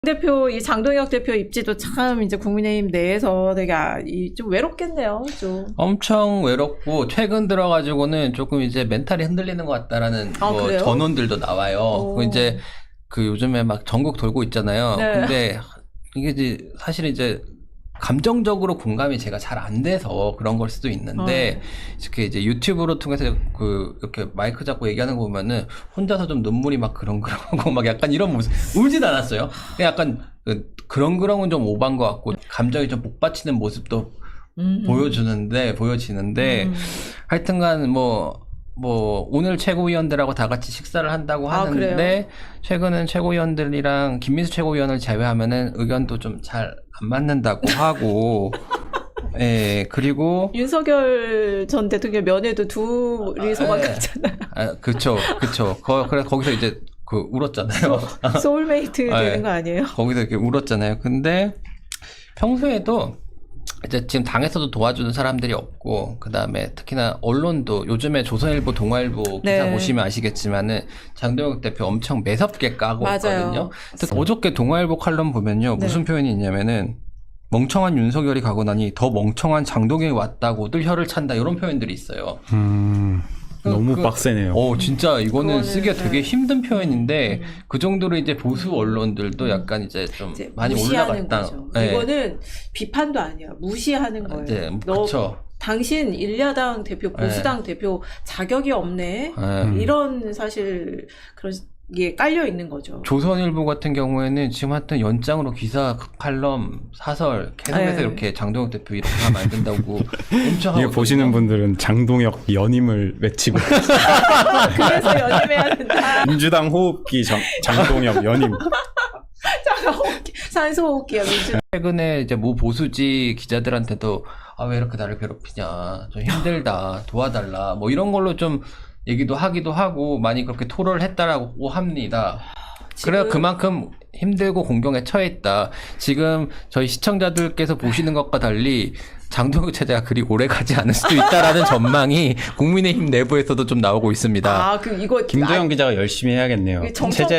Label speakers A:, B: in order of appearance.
A: 대표, 이 장동혁 대표 입지도 참 이제 국민의힘 내에서 되게 좀 외롭겠네요, 좀.
B: 엄청 외롭고, 최근 들어가지고는 조금 이제 멘탈이 흔들리는 것 같다라는 뭐 전원들도 나와요. 이제 요즘에 막 전국 돌고 있잖아요.
A: 네.
B: 근데 이게 이제 사실 이제 감정적으로 공감이 제가 잘 안 돼서 그런 걸 수도 있는데, 이렇게 이제 유튜브로 통해서 이렇게 마이크 잡고 얘기하는 거 보면은 혼자서 좀 눈물이 막 그렁그렁하고 막 약간 이런 모습, 울진 않았어요. 그냥 약간 그렁그렁은 좀 오반 것 같고, 감정이 좀 복받치는 모습도 보여지는데, 하여튼간 오늘 최고위원들하고 다 같이 식사를 한다고 하는데, 최근은 최고위원들이랑 김민수 최고위원을 제외하면은 의견도 좀 잘 안 맞는다고 하고, 예, 그리고.
A: 윤석열 전 대통령 면회도 둘이 소망갔잖아요.
B: 그쵸. 그래서 거기서 이제 울었잖아요.
A: 소울메이트 되는 거 아니에요?
B: 거기서 이렇게 울었잖아요. 근데 평소에도 이제 지금 당에서도 도와주는 사람들이 없고, 그 다음에 특히나 언론도 요즘에 조선일보, 동아일보 기사 보시면 아시겠지만은 장동혁 대표 엄청 매섭게 까고 있거든요. 특히 어저께 동아일보 칼럼 보면요. 무슨 표현이 있냐면은 멍청한 윤석열이 가고 나니 더 멍청한 장동혁이 왔다고들 혀를 찬다, 이런 표현들이 있어요.
C: 너무 빡세네요.
B: 진짜 이거는 쓰기가 되게 힘든 표현인데, 그 정도로 이제 보수 언론들도 약간 이제 좀 이제 많이 올라갔다.
A: 네. 이거는 비판도 아니야. 무시하는 거예요.
B: 네, 그렇죠.
A: 당신 일야당 대표, 보수당 대표 자격이 없네. 이런 사실 그런 게 깔려 있는 거죠.
B: 조선일보 같은 경우에는 지금 하여튼 연장으로 기사, 칼럼, 사설 계속해서 이렇게 장동혁 대표 이렇게 하면 안 된다고 엄청 하고.
C: 이거 보시는 분들은 장동혁 연임을 외치고
A: 그래서 연임해야 된다.
C: 민주당 호흡기 장동혁 연임.
A: 산소호흡기야, 민주.
B: 최근에 이제 모 보수지 기자들한테도 왜 이렇게 나를 괴롭히냐, 좀 힘들다, 도와달라, 뭐 이런 걸로 좀 얘기도 하기도 하고 많이 그렇게 토로를 했다라고 합니다. 그래서 그만큼 힘들고 공경에 처해 있다. 지금 저희 시청자들께서 보시는 것과 달리 장동혁 체제가 그리 오래 가지 않을 수도 있다라는 전망이 국민의힘 내부에서도 좀 나오고 있습니다.
A: 그럼 이거
C: 김도영 기자가 열심히 해야겠네요. 체제